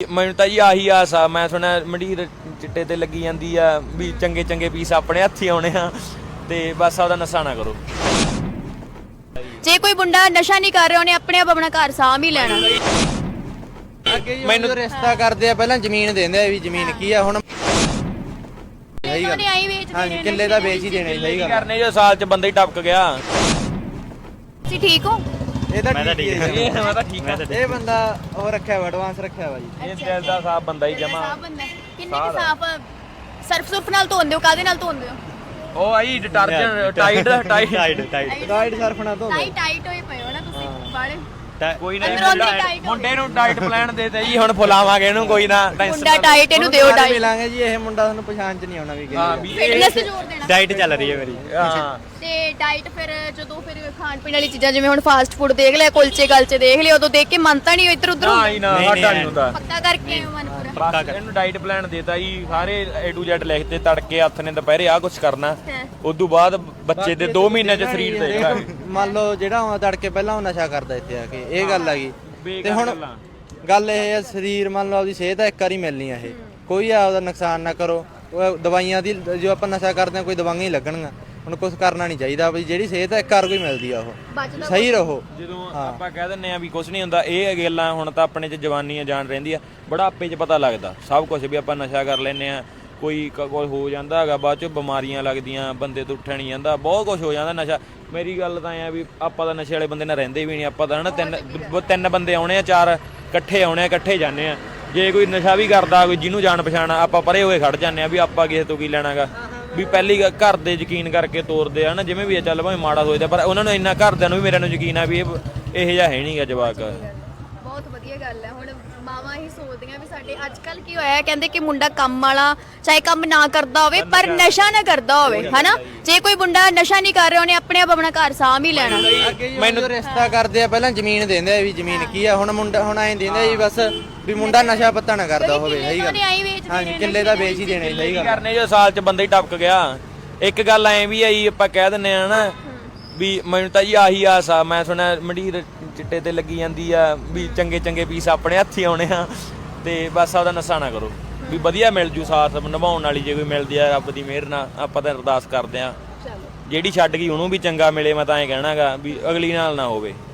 ਮੈਨੂੰ ਤਾਂ ਜੀ ਆਹੀ ਆਸ ਆ। ਮੈਂ ਸੁਣਿਆ ਮੰਡੀਰ ਚਿੱਟੇ ਤੇ ਲੱਗੀ ਜਾਂਦੀ ਆ ਵੀ ਚੰਗੇ ਚੰਗੇ ਪੀਸ ਆਪਣੇ ਹੱਥੀ ਆਉਣੇ ਆ ਤੇ ਬਸ ਉਹਦਾ ਨਸ਼ਾ ਨਾ ਕਰੋ। ਜੇ ਕੋਈ ਮੁੰਡਾ ਨਸ਼ਾ ਨਹੀਂ ਕਰ ਰਿਹਾ ਉਹਨੇ ਆਪਣੇ ਆਪ ਆਪਣਾ ਘਰ ਸਾਂਭ ਹੀ ਲੈਣਾ। ਮੈਨੂੰ ਰਿਸ਼ਤਾ ਕਰਦੇ ਆ ਪਹਿਲਾਂ ਜ਼ਮੀਨ ਦਿੰਦੇ ਆ ਵੀ ਜ਼ਮੀਨ ਕੀ ਆ ਹੁਣ ਸਹੀ ਗੱਲ। ਹਾਂਜੀ ਕਿੱਲੇ ਦਾ ਵੇਚ ਹੀ ਦੇਣੇ ਸਹੀ ਗੱਲ ਕਰਨੇ ਜੋ ਸਾਲ ਚ ਬੰਦਾ ਹੀ ਟਪਕ ਗਿਆ। ਤੁਸੀਂ ਠੀਕ ਹੋ? ਇਹ ਤਾਂ ਠੀਕ ਹੈ ਜੀ। ਮੈਂ ਤਾਂ ਠੀਕ ਆ। ਇਹ ਬੰਦਾ ਉਹ ਰੱਖਿਆ ਵਾ ਐਡਵਾਂਸ ਰੱਖਿਆ ਵਾ ਜੀ। ਇਹ ਦਿਲ ਦਾ ਸਾਫ ਬੰਦਾ ਹੀ ਜਮਾ। ਕਿੰਨੇ ਕਿ ਸਾਫ ਸਰਫ ਸੁਰਫ ਨਾਲ ਧੋਂਦੇ ਹੋ? ਕਾਦੇ ਨਾਲ ਧੋਂਦੇ ਹੋ? ਉਹ ਆਈ ਡਿਟਰਜੈਂਟ ਟਾਈਟ ਡਾਈਟ ਸਰਫ ਨਾ ਧੋ ਟਾਈਟ ਹੋਏ ਪਏ ਹੋ ਨਾ ਤੁਸੀਂ ਬਾਲੇ। ਕੋਈ ਨਾ ਅੰਦਰੋਂ ਅੰਦਰ tight ਹੋ ਮੁੰਡੇ ਨੂੰ ਡਾਈਟ ਪਲਾਨ ਦੇ ਦੇ ਜੀ ਹੁਣ ਫੁਲਾਵਾਂਗੇ ਇਹਨੂੰ ਕੋਈ ਨਾ ਮੁੰਡਾ ਟਾਈਟ ਇਹਨੂੰ ਦਿਓ ਡਾਈਟ। ਮਿਲਾਂਗੇ ਜੀ ਇਹ ਮੁੰਡਾ ਤੁਹਾਨੂੰ ਪਛਾਣ ਚ ਨਹੀਂ ਆਉਣਾ ਵੀ ਹਾਂ ਵੀ ਫਿਟਨੈਸ ਤੇ ਜ਼ੋਰ ਦੇਣਾ। ਡਾਈਟ ਚੱਲ ਰਹੀ ਹੈ ਮੇਰੀ। ਹਾਂ ਤੇ ਡਾਈਟ ਫਿਰ ਜਦੋਂ ਫਿਰ ਖਾਣ ਪੀਣ ਵਾਲੀ ਚੀਜ਼ਾਂ ਜਿਵੇਂ ਹੁਣ ਫਾਸਟ ਫੂਡ ਦੇਖ ਲਿਆ ਕੁਲਚੇ ਗਲਚੇ ਦੇਖ ਲਿਆ ਉਦੋਂ ਦੇਖ ਕੇ ਮਨ ਤਾਂ ਨਹੀਂ ਇੱਧਰ ਉੱਧਰ ਨਾ ਹੀ ਨਾ ਸਾਡਾ ਨਹੀਂ ਹੁੰਦਾ। ਪੱਕਾ ਕਰਕੇ ਮਨ ਪੂਰਾ। ਬਸ ਇਹਨੂੰ ਡਾਈਟ ਪਲਾਨ ਦੇਤਾ ਜੀ ਸਾਰੇ A to Z ਲਿਖਦੇ ਤੜਕੇ ਹੱਥ ਨੇ ਦੁਪਹਿਰੇ ਆਹ ਕੁਝ ਕਰਨਾ ਉਦੋਂ ਬਾਅਦ ਬੱਚੇ ਦੇ 2 ਮਹੀਨੇ ਚ ਸਰੀਰ ਦੇਖਦਾ। ਮੰਨ ਲਓ ਜਿਹੜਾ ਉਹ ਤੜਕੇ ਪਹਿਲਾਂ ਉਹ ਨਸ਼ਾ ਕਰਦਾ ਇੱਥੇ ਆ ਕੇ ਇਹ ਗੱਲ ਆ ਗਈ ਤੇ ਹੁਣ ਗੱਲ ਇਹ ਹੈ ਸਰੀਰ ਮੰਨ ਲਓ ਆਪਦੀ ਸਿਹਤ ਇੱਕ ਵਾਰੀ ਮਿਲਣੀ ਆ ਇਹ ਕੋਈ ਆਪਦਾ ਨੁਕਸਾਨ ਨਾ ਕਰੋ। ਉਹ ਦਵਾਈਆਂ ਦੀ ਜੋ ਆਪਾਂ ਨਸ਼ਾ ਕਰਦੇ ਆ ਕੋਈ ਦਵਾਈਆਂ ਹੀ ਲੱਗਣਗੀਆਂ ਹੁਣ ਕੁਝ ਕਰਨਾ ਨਹੀਂ ਚਾਹੀਦਾ ਵੀ ਜਿਹੜੀ ਸਿਹਤ ਇੱਕ ਵਾਰ ਕੋਈ ਮਿਲਦੀ ਆ ਉਹ ਸਹੀ ਰਹੋ। ਜਦੋਂ ਆਪਾਂ ਕਹਿ ਦਿੰਨੇ ਆ ਵੀ ਕੁਝ ਨਹੀਂ ਹੁੰਦਾ ਇਹ ਗੱਲਾਂ ਹੁਣ ਤਾਂ ਆਪਣੇ ਚ ਜਵਾਨੀ ਆ ਜਾਨ ਰਹਿੰਦੀ ਆ ਬੁਢਾਪੇ ਚ ਪਤਾ ਲੱਗਦਾ ਸਭ ਕੁਝ ਵੀ ਆਪਾਂ ਨਸ਼ਾ ਕਰ ਲੈਨੇ ਆ ਕੋਈ ਹੋ ਜਾਂਦਾ ਹੈਗਾ ਬਾਅਦ ਚ ਬਿਮਾਰੀਆਂ ਲੱਗਦੀਆਂ ਬੰਦੇ ਤੋਂ ਉੱਠਿਆ ਨਹੀਂ ਜਾਂਦਾ ਬਹੁਤ ਕੁਝ ਹੋ ਜਾਂਦਾ ਨਸ਼ਾ। ਮੇਰੀ ਗੱਲ ਤਾਂ ਐ ਆ ਵੀ ਆਪਾਂ ਤਾਂ ਨਸ਼ੇ ਵਾਲੇ ਬੰਦੇ ਨਾਲ ਰਹਿੰਦੇ ਵੀ ਨਹੀਂ ਆਪਾਂ ਤਾਂ ਹਨਾ ਤਿੰਨ ਬੰਦੇ ਆਉਣੇ ਆ 4 ਇਕੱਠੇ ਆਉਣੇ ਆ ਇਕੱਠੇ ਜਾਂਦੇ ਆ ਜੇ ਕੋਈ ਨਸ਼ਾ ਵੀ ਕਰਦਾ ਕੋਈ ਜਿਹਨੂੰ ਜਾਣ ਪਛਾਣ ਆਪਾਂ ਪਰੇ ਹੋਏ ਖੜ ਜਾਂਦੇ ਆ ਵੀ ਆਪਾਂ ਕਿਸੇ ਤੋਂ ਕੀ ਲੈਣਾਗਾ ਵੀ ਪਹਿਲੀ ਘਰ ਦੇ ਯਕੀਨ ਕਰਕੇ ਤੋਰਦੇ ਆ ਨਾ ਜਿਵੇਂ ਵੀ ਚੱਲ ਭਾਵੇਂ ਮਾੜਾ ਸੋਚਦਾ ਪਰ ਉਹਨਾਂ ਨੂੰ ਇੰਨਾ ਘਰਦਿਆਂ ਨੂੰ ਵੀ ਮੇਰਿਆਂ ਨੂੰ ਯਕੀਨ ਆ ਵੀ ਇਹ ਜਿਹਾ ਹੈ ਨਹੀਂਗਾ ਜਵਾਕ। ਬਹੁਤ ਵਧੀਆ ਗੱਲ ਹੈ। ਹੁਣ ਮਾਵਾਂ ਹੀ ਸੋਚਦੀਆਂ ਵੀ ਸਾਡੇ ਅੱਜ ਕੱਲ ਕੀ ਹੋਇਆ ਕਹਿੰਦੇ ਕਿ ਮੁੰਡਾ ਕੰਮ ਵਾਲਾ ਚਾਹੇ ਕੰਮ ਨਾ ਕਰਦਾ ਹੋਵੇ ਪਰ ਨਸ਼ਾ ਨਾ ਕਰਦਾ ਹੋਵੇ ਹਨਾ। ਜੇ ਕੋਈ ਮੁੰਡਾ ਨਸ਼ਾ ਨਹੀਂ ਕਰ ਰਿਹਾ ਉਹਨੇ ਆਪਣੇ ਆਪ ਆਪਣਾ ਘਰ ਸਾਂਭ ਹੀ ਲੈਣਾ। ਮੈਨੂੰ ਰਿਸ਼ਤਾ ਕਰਦੇ ਆ ਪਹਿਲਾਂ ਜ਼ਮੀਨ ਦਿੰਦੇ ਆ ਵੀ ਜ਼ਮੀਨ ਕੀ ਆ ਹੁਣ ਮੁੰਡਾ ਹੁਣ ਐਂ ਦਿੰਦੇ ਆ ਜੀ ਬਸ ਵੀ ਮੁੰਡਾ ਨਸ਼ਾ ਪੱਤਾ ਨਾ ਕਰਦਾ ਹੋਵੇ ਸਹੀ ਗੱਲ। ਹਾਂਜੀ ਕਿੱਲੇ ਦਾ ਵੇਚ ਹੀ ਦੇਣੇ ਸਹੀ ਗੱਲ ਕਰਨੇ ਜੋ ਸਾਲ ਚ ਬੰਦਾ ਹੀ ਟਪਕ ਗਿਆ। ਇੱਕ ਗੱਲ ਐ ਵੀ ਆਈ ਆਪਾਂ ਕਹਿ ਦਿੰਨੇ ਆ ਨਾ ਵੀ ਮੈਨੂੰ ਤਾਂ ਜੀ ਆਹੀ ਆਸ ਆ। ਮੈਂ ਸੁਣਿਆ ਮੰਡੀਰ ਚਿੱਟੇ ਤੇ ਲੱਗੀ ਜਾਂਦੀ ਆ ਵੀ ਚੰਗੇ ਚੰਗੇ ਪੀਸ ਆਪਣੇ ਹੱਥੀ ਆਉਣੇ ਆ ਤੇ ਬਸ ਉਹਦਾ ਨਸ਼ਾ ਨਾ ਕਰੋ ਵੀ ਵਧੀਆ ਮਿਲ ਜੂ ਸਾਥ ਨਿਭਾਉਣ ਵਾਲੀ ਜੇ ਕੋਈ ਮਿਲਦੀ ਆ ਰੱਬ ਦੀ ਮਿਹਰ ਨਾਲ ਆਪਾਂ ਤਾਂ ਅਰਦਾਸ ਕਰਦੇ ਆ ਜਿਹੜੀ ਛੱਡ ਗਈ ਉਹਨੂੰ ਵੀ ਚੰਗਾ ਮਿਲੇ। ਮੈਂ ਤਾਂ ਐਂ ਕਹਿਣਾਗਾ ਵੀ ਅਗਲੀ ਨਾਲ ਨਾ ਹੋਵੇ।